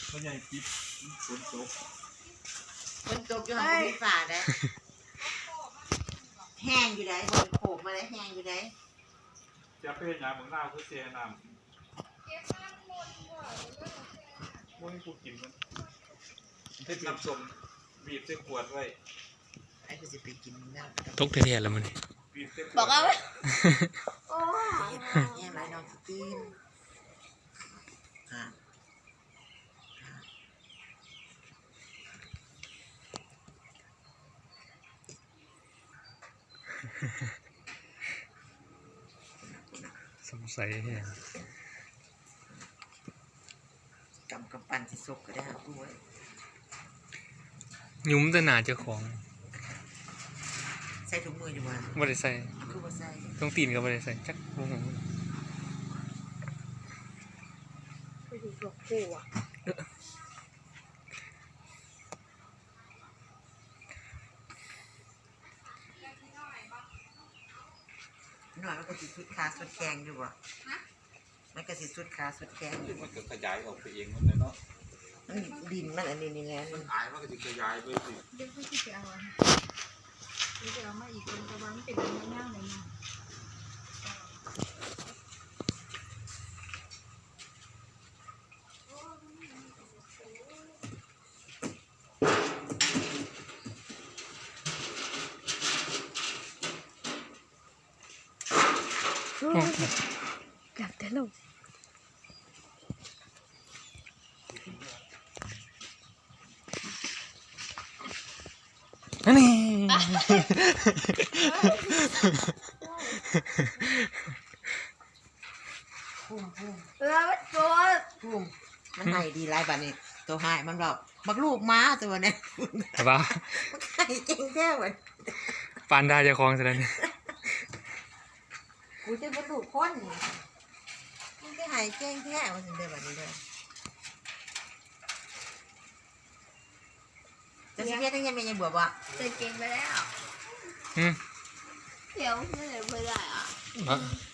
ก็ใหญ่ปิดฝนตกคนตกอยู่ห้องมีฝาได้แห้งอยู่ไหนบนโขกมาได้แห้งอยู่ไหนจะเป็นยาเหมือนน้ำคือเสียน้ำพวกนี้กูกินมันให้น้ำส้มบีบใส่ขวดไว้ไอ้กูจะไปกินน้ำตกเทียนแล้วมันบีบใส่ขวดบอกเอาไว้โอ้แห้งไรน้องกินสงสัยเนี่ยกำกับปั่นสิสุกก็ได้ครับด้วยยุ้มจะหนาเจ้าของใส่ถุงมืออยู่วันบ่ได้ใส่คือว่าใส่ต้องตีนก็บ่ได้ใส่จักบ่ฮู้ไปดูหลวงปู่อ่ะหน่อยมันก็สิสุดขาสุดแกงอยู่บ่มันก็สิสุดขาสุดแกงอยู่มันก็ขยายออกไปเองมันเลยเนาะมันดินมันอันนี้นี่แหละมันหายมันก็จะขยายไปสิเดี๋ยวพี่จะเอาอันนี้จะเอามาอีกคนแต่ว่ามันเป็นเนื้อย่างเลยนะ กลับแต่ลงอันนี้พุ่มแล้วตัวพุ่มมันให้ดีหลายบัดนี้ตัวหายมันแบบบักลูกม้าตัวเนี้ยแต่ว่ามันให้เก่งแท้เว้ยปานดาเจ้าของซะแล้วนี่กูจะเป็นลูกคนนี่มันจะให้เก่งแท้ว่าสิเด้อบัดนี้เด้อจะสิเฮ็ดจังยังแม่ยังบอกว่าจะเก่งไปแล้วอืมเดี๋ยวไม่ได้ไม่ได้อ่ะบ่